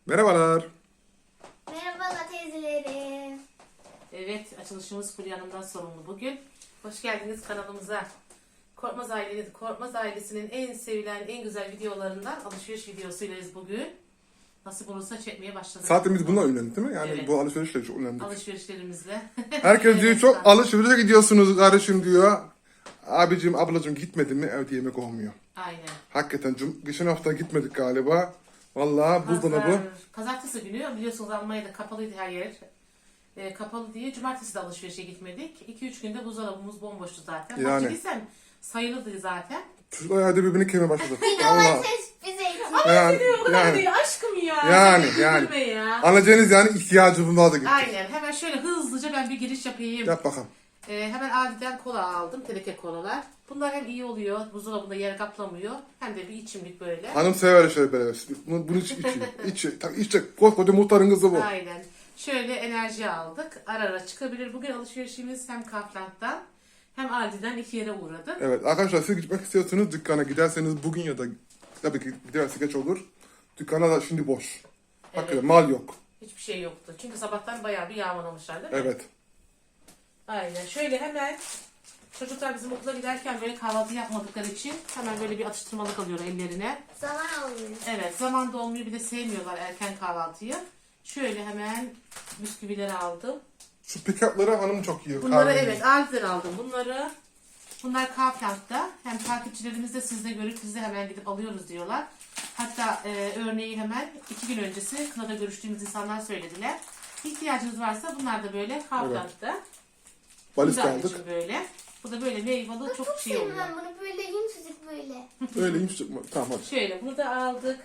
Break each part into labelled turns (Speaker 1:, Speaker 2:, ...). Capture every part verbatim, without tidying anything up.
Speaker 1: Merhabalar.
Speaker 2: Merhaba teyzelerim.
Speaker 3: Evet, açılışımız Fulya Hanım'dan sorumlu bugün. Hoş geldiniz kanalımıza. Korkmaz, aile, Korkmaz ailesinin en sevilen, en güzel videolarından alışveriş videosuylayız bugün. Nasip olursa çekmeye başladık.
Speaker 1: Zaten biz bununla ünlendik değil mi? Yani
Speaker 3: Evet.
Speaker 1: bu alışverişle çok ünlendik.
Speaker 3: Alışverişlerimizle.
Speaker 1: Herkes diyor
Speaker 3: Evet,
Speaker 1: çok
Speaker 3: tamam.
Speaker 1: alışverişe gidiyorsunuz kardeşim diyor. Abicim ablacım gitmedin mi evde yemek olmuyor.
Speaker 3: Aynen.
Speaker 1: Hakikaten cum- geçen hafta gitmedik galiba. Vallahi buzdolabı.
Speaker 3: Pazar, pazartesi günü biliyorsunuz Almanya'da kapalıydı her yer. E, kapalı diye cumartesi de alışverişe gitmedik. iki üç günde buzdolabımız bomboştu zaten.
Speaker 1: Yani.
Speaker 3: Yani. Giysem sayılıdı zaten.
Speaker 1: Çocuklar herhalde birbirini kemire başladı.
Speaker 2: Ama
Speaker 1: Allah.
Speaker 2: ses bize için.
Speaker 1: Yani,
Speaker 3: Diyor, bu kadar
Speaker 1: yani.
Speaker 3: değil aşkım ya.
Speaker 1: Yani,
Speaker 3: Sen
Speaker 1: yani.
Speaker 3: güldürme ya.
Speaker 1: Anlayacağınız yani ihtiyacım vardı gitti.
Speaker 3: Aynen. Hemen şöyle hızlıca ben bir giriş yapayım.
Speaker 1: Yap bakalım.
Speaker 3: Ee, hemen Aldi'den kola aldım. Teneke kolalar. Bunlar hem iyi oluyor. Buzdolabında yer kaplamıyor. Hem de bir içimlik böyle.
Speaker 1: Hanım sever şöyle böyle. Bunu, bunu iç, içiyor. İçiyor. Tabii içecek. Koskoca muhtarın kızı bu.
Speaker 3: Aynen. Şöyle enerji aldık. Ara ara çıkabilir. Bugün alışverişimiz hem Kaufland'dan hem Aldi'den iki yere uğradı.
Speaker 1: Evet arkadaşlar siz gitmek istiyorsanız dükkana giderseniz bugün ya da tabii ki giderse geç olur. Dükkana da şimdi boş. Hakikaten
Speaker 3: Evet.
Speaker 1: mal yok.
Speaker 3: Hiçbir şey yoktu. Çünkü sabahtan bayağı bir yağmalamışlar değil mi?
Speaker 1: Evet.
Speaker 3: Aynen. Şöyle hemen çocuklar bizim okula giderken böyle kahvaltı yapmadıkları için hemen böyle bir atıştırmalık alıyor ellerine.
Speaker 2: Zaman alıyor.
Speaker 3: Evet, zaman da olmuyor, bir de sevmiyorlar erken kahvaltıyı. Şöyle hemen bisküvileri aldım.
Speaker 1: Şu pick-up'ları hanım çok yiyor.
Speaker 3: Bunları
Speaker 1: kahveyi.
Speaker 3: evet Aldi'den aldım bunları. Bunlar Kaufland'da. Hem takipçilerimiz de sizde görüp biz de hemen gidip alıyoruz diyorlar. Hatta e, örneği hemen iki gün öncesi Kına'da görüştüğümüz insanlar söylediler. İhtiyacınız varsa bunlar da böyle Kaufland'da.
Speaker 1: Valiz
Speaker 3: Bu da
Speaker 1: aldık.
Speaker 3: için böyle. Bu da böyle meyveli çok
Speaker 2: Çok
Speaker 3: şey
Speaker 2: sevdim
Speaker 3: oluyor.
Speaker 2: ben bunu böyle yumuşacık böyle.
Speaker 1: Öyle yumuşak mı? Tamam hadi.
Speaker 3: Şöyle bunu da aldık.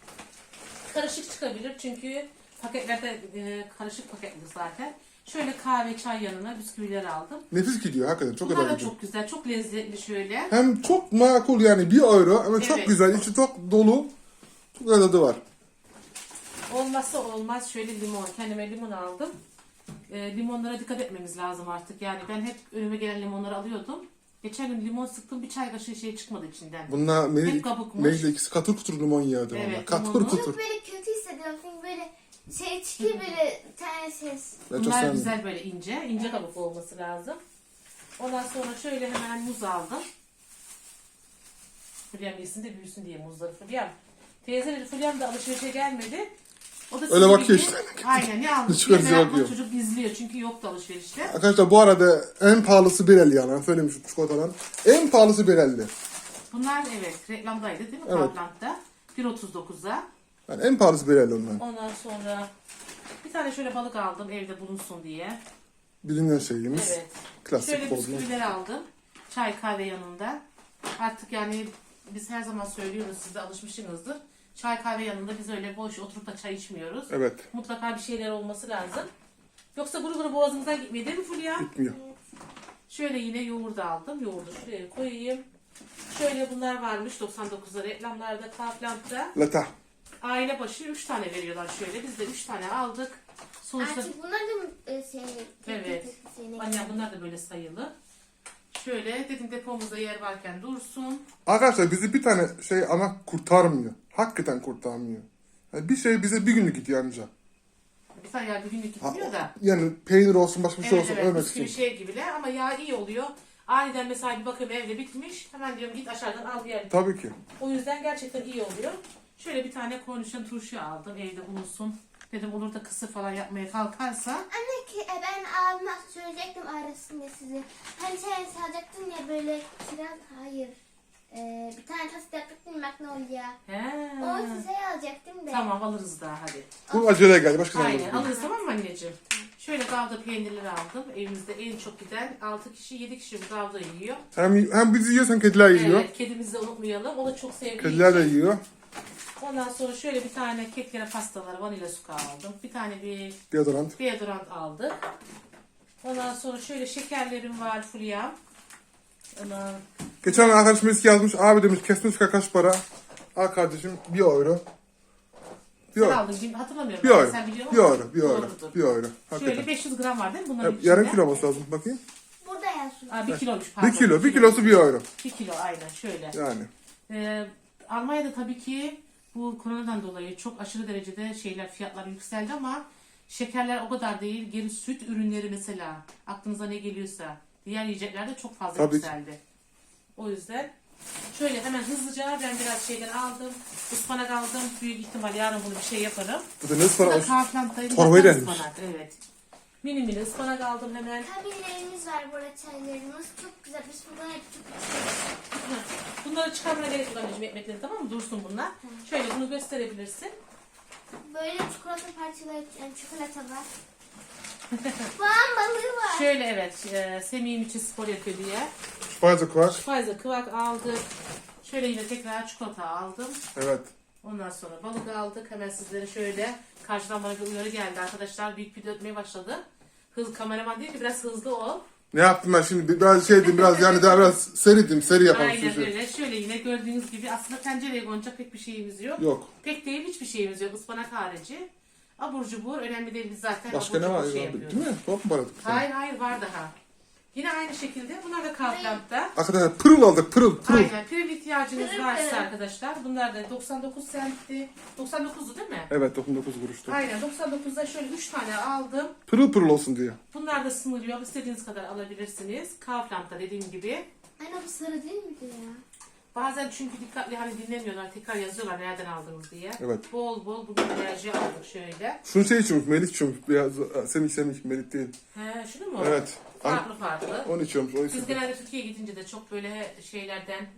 Speaker 3: Karışık çıkabilir çünkü paketlerde e, karışık paketli zaten. Şöyle kahve çay yanına bisküvileri aldım.
Speaker 1: Nefis gidiyor hakikaten. Çok
Speaker 3: Bunlar
Speaker 1: güzel
Speaker 3: da
Speaker 1: gidiyor.
Speaker 3: çok güzel, çok lezzetli şöyle.
Speaker 1: Hem çok makul yani bir euro ama çok
Speaker 3: Evet.
Speaker 1: güzel. İçi çok dolu. Çok güzel tadı var.
Speaker 3: Olmazsa olmaz şöyle limon. Kendime limon aldım. E, limonlara dikkat etmemiz lazım artık. Yani ben hep önüme gelen limonları alıyordum. Geçen gün limon sıktım, bir çay kaşığı şey çıkmadı içinden.
Speaker 1: Bunlar Melih,
Speaker 3: Hep kabukmuş.
Speaker 1: Melih'le ikisi katır kutur limon yiyordu.
Speaker 3: Evet,
Speaker 1: Evet, katır
Speaker 3: limonu.
Speaker 1: kutur.
Speaker 2: Çok böyle kötü hissediyorum çünkü böyle şey çıkıyor böyle bir tane ses.
Speaker 1: Ben çok
Speaker 3: Bunlar
Speaker 1: sevmiyorum.
Speaker 3: güzel böyle ince. ince kabuklu olması lazım. Ondan sonra şöyle hemen muz aldım. Fulyam yesin de büyüsün diye muzları. Fulyam. Teyzeleri Fulyam da alışverişe gelmedi. O da
Speaker 1: Öyle
Speaker 3: sizin
Speaker 1: bakıyor
Speaker 3: gibi-
Speaker 1: işte.
Speaker 3: Aynen ne almış
Speaker 1: Çıkıyor,
Speaker 3: diye
Speaker 1: bize
Speaker 3: merakla
Speaker 1: bakıyor.
Speaker 3: çocuk izliyor. Çünkü yoktu alışverişte.
Speaker 1: Arkadaşlar bu arada en pahalısı bir elli yani. Ben söylemişim çikolatadan. En pahalısı bir elli.
Speaker 3: Bunlar evet reklamdaydı değil mi?
Speaker 1: Evet.
Speaker 3: Kaufland'da. bir otuz dokuza.
Speaker 1: Yani en pahalısı bir elli onların.
Speaker 3: Ondan sonra bir tane şöyle balık aldım evde bulunsun diye.
Speaker 1: Bilinen şeyimiz.
Speaker 3: Evet.
Speaker 1: Klasik
Speaker 3: Şöyle
Speaker 1: bozma.
Speaker 3: bisküvileri aldım. Çay kahve yanında. Artık yani biz her zaman söylüyoruz, siz de alışmışsınızdır. Çay kahve yanında biz öyle boş oturup da çay içmiyoruz.
Speaker 1: Evet.
Speaker 3: Mutlaka bir şeyler olması lazım. Yoksa guru guru boğazımızdan gitmiyor değil mi Fulya?
Speaker 1: Gitmiyor.
Speaker 3: Şöyle yine yoğurdu aldım. Yoğurdu şuraya koyayım. Şöyle bunlar varmış doksan dokuzda reklamlarda, Kaufland'da.
Speaker 1: Lata.
Speaker 3: Aile başı üç tane veriyorlar şöyle. Biz de üç tane aldık. Sonuçta
Speaker 2: Artık bunlar da mı e, şey
Speaker 3: Evet.
Speaker 2: şeyine
Speaker 3: annem bunlar da böyle sayılı. Şöyle dedim depomuzda yer varken dursun.
Speaker 1: Arkadaşlar bizi bir tane şey ama kurtarmıyor. Hakikaten kurtarmıyor. Yani bir şey bize bir günlük gidiyor anca.
Speaker 3: Bir tane yer bir günlük
Speaker 1: Ha,
Speaker 3: gitmiyor da.
Speaker 1: yani peynir olsun başka bir şey
Speaker 3: Evet
Speaker 1: olsun
Speaker 3: evet
Speaker 1: ölmek
Speaker 3: bisküvi
Speaker 1: için.
Speaker 3: şey gibiler ama yağ iyi oluyor. Aniden mesela bir bakıyorum evde bitmiş. Hemen diyorum git aşağıdan al diğer.
Speaker 1: Tabii ki.
Speaker 3: O yüzden gerçekten iyi oluyor. Şöyle bir tane kornişon turşu aldım evde bulunsun. Dedim olur da kısır falan yapmaya kalkarsa.
Speaker 2: Anne ki e, ben abime söyleyecektim arasında sizi. Hani sen salacaktın ya böyle kiraz hayır. E, bir tane tost yapacaktım Magnolia.
Speaker 3: He.
Speaker 2: O size alacaktım da.
Speaker 3: Tamam alırız daha hadi.
Speaker 1: Bu acele geldi. Başka zaman
Speaker 3: Aynen
Speaker 1: olur.
Speaker 3: alırız tamam mı anneciğim? Şöyle gavda peynirleri aldım. Evimizde en çok giden altı kişi yedi kişi bu gavda yiyor.
Speaker 1: Hem, hem bizi yiyor hem kediler yiyor.
Speaker 3: Evet, kedimizi de unutmayalım. O da çok sevdiği
Speaker 1: Kediler de
Speaker 3: için.
Speaker 1: yiyor.
Speaker 3: Ondan sonra şöyle bir tane keklere pastalar, vanilya suka aldım. Bir tane bir
Speaker 1: Deodorant.
Speaker 3: deodorant aldık. Ondan sonra şöyle şekerlerim var Fulya. Ondan
Speaker 1: Geçen arkadaşımız yazmış. Abi demiş kesmiş kaç para? Al kardeşim bir euro. Bir
Speaker 3: sen
Speaker 1: euro.
Speaker 3: aldın gibi hatırlamıyorum.
Speaker 1: Bir
Speaker 3: Ben
Speaker 1: euro.
Speaker 3: sen biliyor
Speaker 1: Bir
Speaker 3: musun?
Speaker 1: euro. Bir euro.
Speaker 3: Doğrudur.
Speaker 1: Bir euro.
Speaker 3: Şöyle
Speaker 1: Hakikaten.
Speaker 3: beş yüz gram var değil mi bunların
Speaker 1: Ya,
Speaker 3: içinde?
Speaker 1: yarım kilo olması lazım. Bakayım.
Speaker 2: Burada yazıyor.
Speaker 3: Aa, bir kiloymuş pardon.
Speaker 1: Bir kilo. Bir kilosu bir euro.
Speaker 3: Bir kilo aynen şöyle.
Speaker 1: Yani.
Speaker 3: Ee, Almanya'da tabii ki bu koronadan dolayı çok aşırı derecede şeyler fiyatlar yükseldi ama şekerler o kadar değil. Geri süt ürünleri mesela aklınıza ne geliyorsa diğer yiyecekler de çok fazla
Speaker 1: Tabii.
Speaker 3: yükseldi. O yüzden şöyle hemen hızlıca ben biraz şeyler aldım. Ispanak aldım. Büyük ihtimal yarın bunu bir şey yaparım.
Speaker 1: Bu da ne
Speaker 3: Bu da
Speaker 1: ıspanak?
Speaker 3: Kaufland'dayım.
Speaker 1: Torbayı
Speaker 3: Zaten
Speaker 1: denmiş.
Speaker 3: ıspanak, evet. Mini mini ıspanak aldım hemen.
Speaker 2: Tabilerimiz var burada, çaylarımız. Çok güzel. Biz buradan hep çok içiyoruz.
Speaker 3: Bunları çıkarmaya gerek yok anneciğim, ekmekleri, tamam mı? Dursun bunlar. Şöyle bunu gösterebilirsin.
Speaker 2: Böyle çikolata parçaları, yani çikolata var. Soğan balığı var.
Speaker 3: Şöyle evet, e, Semih'im için spor yapıyor diye.
Speaker 1: Fazla kuvak.
Speaker 3: Fazla kıvak aldık. Şöyle yine tekrar çikolata aldım.
Speaker 1: Evet.
Speaker 3: Ondan sonra balık aldık. Hemen sizlere şöyle karşıdan bana bir uyarı geldi arkadaşlar. Büyük video ötmeye başladı. Hız kameraman değil ki biraz hızlı ol.
Speaker 1: Ne yaptım ben şimdi? Biraz şeydim, biraz yani daha biraz seridim, seri yapalım.
Speaker 3: Aynen
Speaker 1: Şey.
Speaker 3: öyle. Şöyle yine gördüğünüz gibi aslında tencereye konacak pek bir şeyimiz yok.
Speaker 1: Yok.
Speaker 3: Pek değil, hiçbir şeyimiz yok. Ispanak harici. Abur cubur önemli değil, biz zaten
Speaker 1: Başka
Speaker 3: abur
Speaker 1: ne
Speaker 3: cubur
Speaker 1: var?
Speaker 3: şey
Speaker 1: ya?
Speaker 3: yapıyoruz.
Speaker 1: Değil mi? Top mu paradık?
Speaker 3: Hayır hayır var daha. Yine aynı şekilde bunlar da Kaufland'da.
Speaker 1: Arkadaşlar pırıl aldık, pırıl, pırıl.
Speaker 3: Aynen. Pürül ihtiyacınız
Speaker 2: Pürül
Speaker 3: varsa
Speaker 2: pürül.
Speaker 3: arkadaşlar. Bunlar da doksan dokuz sentti. doksan dokuzdu değil mi?
Speaker 1: Evet, doksan dokuz kuruştu.
Speaker 3: Aynen. doksan dokuzda şöyle üç tane aldım.
Speaker 1: Pırıl pırıl olsun diye.
Speaker 3: Bunlar da sınır yok. İstediğiniz kadar alabilirsiniz. Kaufland'da dediğim gibi.
Speaker 2: Anne bu sarı değil miydi ya?
Speaker 3: Bazen çünkü dikkatli hani dinlemiyorlar. Tekrar yazıyorlar nereden aldınız diye.
Speaker 1: Evet.
Speaker 3: Bol bol bugün enerji aldık şöyle.
Speaker 1: Şunu şey içiyormuş, Melik içiyormuş. Biraz, Semih Semih, Melik değil.
Speaker 3: He, şunu mu?
Speaker 1: Evet.
Speaker 3: Farklı farklı.
Speaker 1: Onu içiyormuş, o
Speaker 3: Biz
Speaker 1: içiyormuş.
Speaker 3: genelde Türkiye'ye gidince de çok böyle şeylerden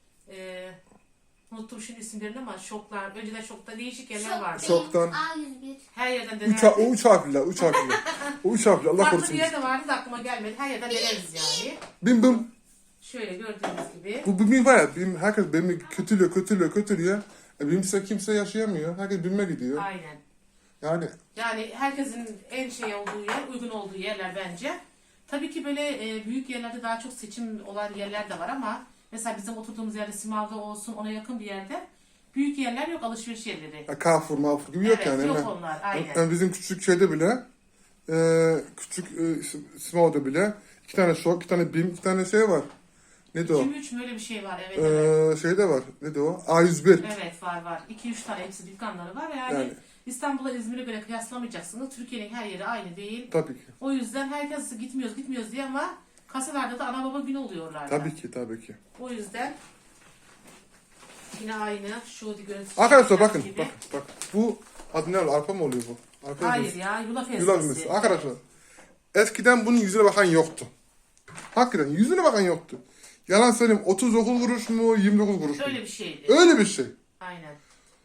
Speaker 3: e, unuttum şimdi isimlerini ama şoklar. Önceden şokta değişik yerler vardı.
Speaker 1: Şok. Şoktan.
Speaker 2: A yüz bir.
Speaker 3: Her yerden
Speaker 1: Üç, ha- o
Speaker 3: denerdik.
Speaker 1: üç harfliler, üç harfliler. O üç harfli, Allah
Speaker 3: Farklı
Speaker 1: korusun.
Speaker 3: bir yerde vardı da aklıma gelmedi. Her yerden deneriz yani.
Speaker 1: Bim bim.
Speaker 3: Şöyle gördüğünüz gibi.
Speaker 1: Bu bim var ya, bim, herkes bimi kötülüyor, kötülüyor, kötülüyor. E, bimse kimse yaşayamıyor. Herkes bime gidiyor.
Speaker 3: Aynen.
Speaker 1: Yani
Speaker 3: Yani herkesin en şey olduğu yer, uygun olduğu yerler bence. Tabii ki böyle e, büyük yerlerde daha çok seçim olan yerler de var ama mesela bizim oturduğumuz yerde Simav'da olsun, ona yakın bir yerde büyük yerler yok, alışveriş yerleri.
Speaker 1: ya, Carrefour, Marfour gibi yok
Speaker 3: Evet,
Speaker 1: yani.
Speaker 3: yok
Speaker 1: hemen.
Speaker 3: onlar, aynen.
Speaker 1: Yani bizim küçük şeyde bile, e, küçük e, Small'da bile iki tane şok, iki tane bim, iki tane şey var. Neydi o?
Speaker 3: iki üç böyle bir şey var, evet evet.
Speaker 1: Ee, şeyde var. Neydi o? A yüz bir.
Speaker 3: Evet var var. iki üç tane hepsi dükkanları var yani.
Speaker 1: Yani.
Speaker 3: İstanbul'a İzmir'e göre kıyaslamayacaksınız. Türkiye'nin her yeri aynı değil.
Speaker 1: Tabii ki.
Speaker 3: O yüzden herkes gitmiyoruz gitmiyoruz diye ama kasalarda da ana baba günü oluyorlar.
Speaker 1: Tabii ki, tabii ki.
Speaker 3: O yüzden yine aynı şu görüntüsü.
Speaker 1: Arkadaşlar bakın,
Speaker 3: gibi.
Speaker 1: bak, bak. Bu adı ne oluyor? Arpa mı oluyor bu? Arpa
Speaker 3: Hayır
Speaker 1: ezmesi.
Speaker 3: ya yulaf ezmesi.
Speaker 1: Yulaf ezmesi. Arkadaşlar, eskiden bunun yüzüne bakan yoktu. Hakikaten yüzüne bakan yoktu. Yalan söyleyeyim, otuz dokuz kuruş mu, yirmi dokuz kuruş mu?
Speaker 3: Öyle bir şeydi.
Speaker 1: Öyle bir şey.
Speaker 3: Aynen.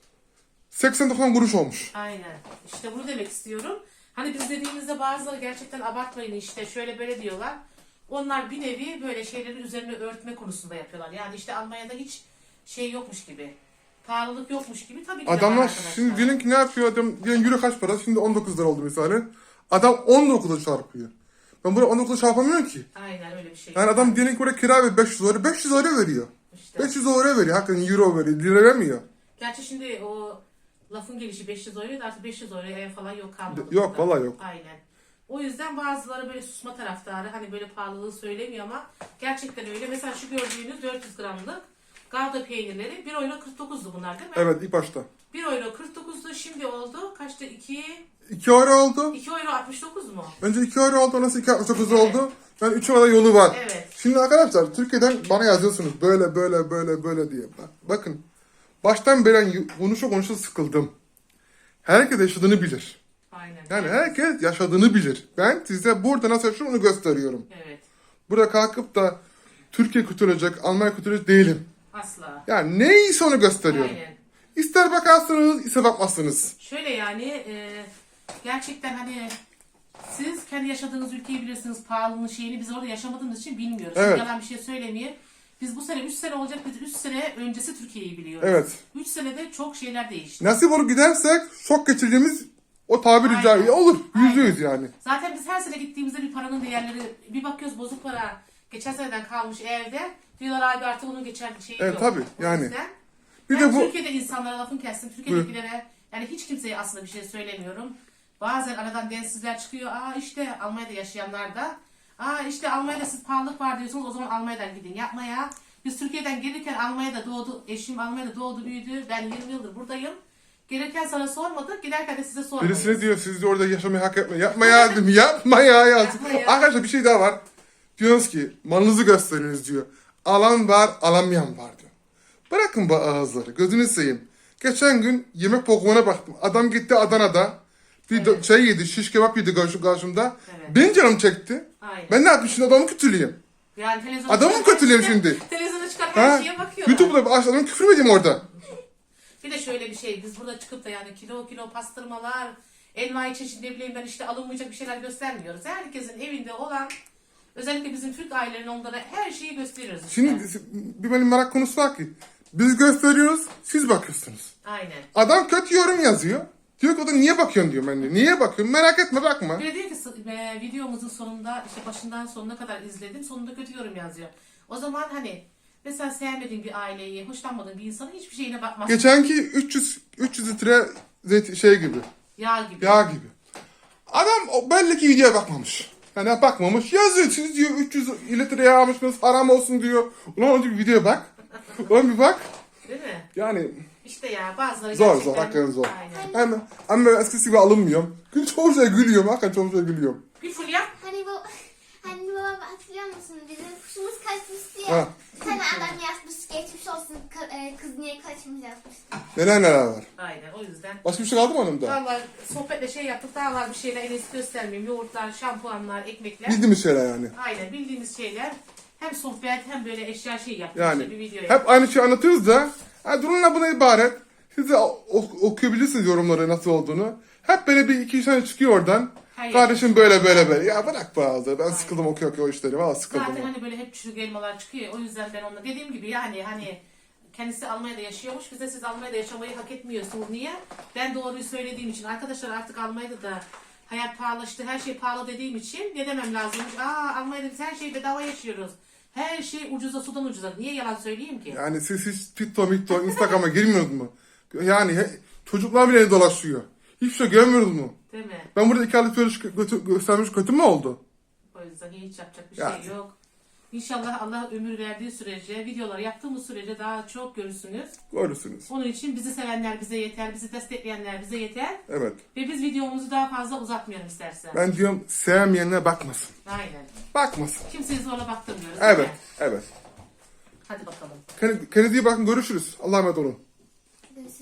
Speaker 1: seksen doksan kuruş olmuş.
Speaker 3: Aynen. İşte bunu demek istiyorum. Hani biz dediğimizde bazıları gerçekten abartmayın işte şöyle böyle diyorlar. Onlar bir nevi böyle şeyleri üzerine örtme konusunda yapıyorlar. Yani işte Almanya'da hiç şey yokmuş gibi. Pahalılık yokmuş gibi tabii ki de var
Speaker 1: Adamlar
Speaker 3: arkadaşlar.
Speaker 1: şimdi diyelim ki ne yapıyor adam? Diyelim euro kaç para? Şimdi on dokuz lira oldu misali. Adam on dokuz'a çarpıyor. Ben buraya on dokuz'a çarpamıyorum ki.
Speaker 3: Aynen öyle bir şey.
Speaker 1: Yani adam diyelim ki buraya kira ver beş yüz euro. beş yüz euro veriyor.
Speaker 3: İşte.
Speaker 1: beş yüz euro veriyor. Hakikaten euro veriyor. Lira vermiyor.
Speaker 3: Gerçi şimdi o lafın gelişi beş yüz euro da artık beş yüz euroya ev falan yok kalmadı.
Speaker 1: Yok,
Speaker 3: burada.
Speaker 1: vallahi yok.
Speaker 3: Aynen. O yüzden bazıları böyle susma taraftarı hani böyle pahalılığı söylemiyor ama gerçekten öyle. Mesela şu gördüğünüz dört yüz gramlık Gouda peynirleri bir euro kırk dokuzdu bunlar değil mi?
Speaker 1: Evet, ilk başta.
Speaker 3: bir euro kırk dokuzdu şimdi oldu. Kaçtı? iki
Speaker 1: iki euro oldu.
Speaker 3: iki euro altmış dokuz mu?
Speaker 1: Önce iki euro oldu. Nasıl iki altmış dokuz oldu? Yani üç euro yolu var.
Speaker 3: Evet.
Speaker 1: Şimdi arkadaşlar Türkiye'den bana yazıyorsunuz. Böyle böyle böyle böyle diye. Bak, bakın. Baştan beri konuşa konuşa sıkıldım. Herkes yaşadığını bilir.
Speaker 3: Aynen.
Speaker 1: Yani herkes yaşadığını bilir. Ben size burada nasıl yaşıyorum onu gösteriyorum.
Speaker 3: Evet.
Speaker 1: Burada kalkıp da Türkiye kurtulacak, Almanya kurtulacak değilim.
Speaker 3: Asla.
Speaker 1: Yani neyse onu gösteriyorum.
Speaker 3: Aynen.
Speaker 1: İster bakarsınız, ister bakmazsınız.
Speaker 3: Şöyle yani e, gerçekten hani siz kendi yaşadığınız ülkeyi bilirsiniz pahalılığın şeyini biz orada yaşamadığımız için bilmiyoruz.
Speaker 1: Evet.
Speaker 3: Şimdi yalan bir şey söylemeyeyim. Biz bu sene üç sene olacak biz üç sene öncesi Türkiye'yi biliyoruz.
Speaker 1: Evet.
Speaker 3: üç senede çok şeyler değişti.
Speaker 1: Nasip olup gidersek şok geçireceğimiz o tabiri
Speaker 3: Aynen.
Speaker 1: caizse olur. Yüzde
Speaker 3: Aynen.
Speaker 1: yüz yani.
Speaker 3: Zaten biz her sene gittiğimizde bir paranın değerleri bir bakıyoruz bozuk para geçen seneden kalmış evde. Diyorlar abi artık onun geçen şeyi
Speaker 1: Evet,
Speaker 3: yok.
Speaker 1: tabii,
Speaker 3: O
Speaker 1: yani.
Speaker 3: yüzden
Speaker 1: Bir
Speaker 3: ben
Speaker 1: de bu
Speaker 3: Türkiye'de insanlara lafın kessin. Türkiye'dekilere yani hiç kimseye aslında bir şey söylemiyorum. Bazen aradan densizler çıkıyor. Aa işte Almanya'da yaşayanlar da. Aa işte Almanya'da siz pahalılık var diyorsunuz o zaman Almanya'dan gidin yapmaya. Biz Türkiye'den gelirken Almanya'da doğdu, eşim Almanya'da doğdu, büyüdü. Ben yirmi yıldır buradayım. Gelirken sana sormadık, giderken de size sormadık.
Speaker 1: Birisi diyor siz de orada yaşamayı hak etmeyin. Yapma ya dedim. Yapma ya yazdım.
Speaker 3: Yapma ya.
Speaker 1: Arkadaşlar bir şey daha var. Diyorsunuz ki malınızı gösteriniz diyor. Alan var, alamayan var diyor. Bırakın bu ağızları. Gözünü seveyim. Geçen gün yemek programına baktım. Adam gitti Adana'da. Bir
Speaker 3: Evet.
Speaker 1: şey yedi, şiş kebap yedi karşı- karşımda.
Speaker 3: Evet.
Speaker 1: Benim canım çekti.
Speaker 3: Aynen.
Speaker 1: Ben ne yapayım şimdi adamı kötüleyeyim.
Speaker 3: Yani televizyona
Speaker 1: Adamı
Speaker 3: çıkan
Speaker 1: kötüleyeyim
Speaker 3: her şeye-
Speaker 1: şimdi.
Speaker 3: Televizyona çıkan her
Speaker 1: Ha?
Speaker 3: şeye bakıyorlar.
Speaker 1: YouTube'da adamı küfür mü edeyim orada?
Speaker 3: Bir de şöyle bir şey, biz burada çıkıp da yani kilo kilo pastırmalar, envai çeşit ne bileyim ben işte alınmayacak bir şeyler göstermiyoruz. Herkesin evinde olan, özellikle bizim Türk ailelerinin onlara her şeyi gösteriyoruz işte.
Speaker 1: Şimdi bir benim merak konusu var ki. Biz gösteriyoruz, siz bakıyorsunuz.
Speaker 3: Aynen.
Speaker 1: Adam kötü yorum yazıyor. Diyor ki o da niye bakıyorsun diyor ben de. Niye bakıyorsun? Merak etme bakma.
Speaker 3: Bir de diyor ki e, videomuzun sonunda işte başından sonuna kadar izledim, sonunda kötü yorum yazıyor. O zaman hani mesela sevmediğin bir aileyi, hoşlanmadığın bir insanın hiçbir şeyine bakmazsın.
Speaker 1: Geçenki üç yüz üç yüz litre zeytin şey gibi.
Speaker 3: Yağ gibi.
Speaker 1: Yağ gibi. Adam o belli ki videoya bakmamış. Yani bakmamış. Yazıyor siz diyor üç yüz litre yağ almışsınız haram olsun diyor. Ulan önce bir videoya bak. Ulan bir bak.
Speaker 3: Değil mi?
Speaker 1: Yani
Speaker 3: İşte ya bazıları
Speaker 1: zor
Speaker 3: gerçekten...
Speaker 1: zor hakikaten zor.
Speaker 3: Aynen.
Speaker 1: Hem, hem ben eskisi gibi alınmıyorum. Gün çoğu şey gülüyorum. Hakikaten çoğu şey gülüyorum.
Speaker 3: Bir fulya.
Speaker 2: Hani bu hani baba hatırlıyor musun? Bizim kuşumuz kaçmıştı
Speaker 1: Ha.
Speaker 2: ya. Bir tane adam yazmış geçmiş olsun ka- e, kız niye kaçmış yazmıştı.
Speaker 1: Neler neler var.
Speaker 3: Aynen o yüzden.
Speaker 1: Başka bir şey kaldı mı hanımda?
Speaker 3: Valla sohbetle şey yaptık, daha var bir şeyler en iyisi göstermeyeyim. Yoğurtlar, şampuanlar, ekmekler.
Speaker 1: Bildiğimiz şeyler yani.
Speaker 3: Aynen bildiğimiz şeyler. Hem sohbet hem böyle eşya şey yaptık.
Speaker 1: Yani
Speaker 3: işte bir video yaptık.
Speaker 1: hep aynı şeyi anlatıyoruz da ha, durumla buna ibaret. Siz de ok- okuyabilirsiniz yorumları nasıl olduğunu. Hep böyle bir iki üç tane çıkıyor oradan.
Speaker 3: Hayır.
Speaker 1: Kardeşim böyle böyle böyle. Ya bırak bazı. Ben sıkıldım okuyor okuyor o işleri. Valla sıkıldım.
Speaker 3: Zaten hani böyle hep çürük elmalar çıkıyor. O yüzden ben onunla dediğim gibi yani hani kendisi Almanya'da yaşıyormuş. Biz de siz Almanya'da yaşamayı hak etmiyorsunuz. Niye? Ben doğruyu söylediğim için. Arkadaşlar artık Almanya'da da hayat pahalaştı. Her şey pahalı dediğim için ne demem lazımmış? Aa Almanya'da biz her şeyi bedava yaşıyoruz. Her şey ucuza sudan ucuza. Niye yalan söyleyeyim ki?
Speaker 1: Yani siz hiç TikTok, TikTok, Instagram'a girmiyorsunuz mu? Yani he- çocuklar bile dolaşıyor. Hiçbir şey görmüyoruz mu?
Speaker 3: Değil mi?
Speaker 1: Ben burada iki aylık görüş götü, göstermiş kötü mü oldu?
Speaker 3: O yüzden hiç yapacak bir
Speaker 1: Ya.
Speaker 3: şey yok. İnşallah Allah ömür verdiği sürece, videoları yaptığımız sürece daha çok görürsünüz.
Speaker 1: Görürsünüz.
Speaker 3: Onun için bizi sevenler bize yeter, bizi destekleyenler bize yeter.
Speaker 1: Evet.
Speaker 3: Ve biz videomuzu daha fazla uzatmayalım istersen.
Speaker 1: Ben diyorum sevmeyenler bakmasın.
Speaker 3: Aynen.
Speaker 1: Bakmasın.
Speaker 3: Kimseyi zorla baktırmıyoruz. değil
Speaker 1: Evet.
Speaker 3: mi?
Speaker 1: Evet.
Speaker 3: Hadi bakalım.
Speaker 1: Kendinize iyi bakın. Görüşürüz. Allah'a emanet olun.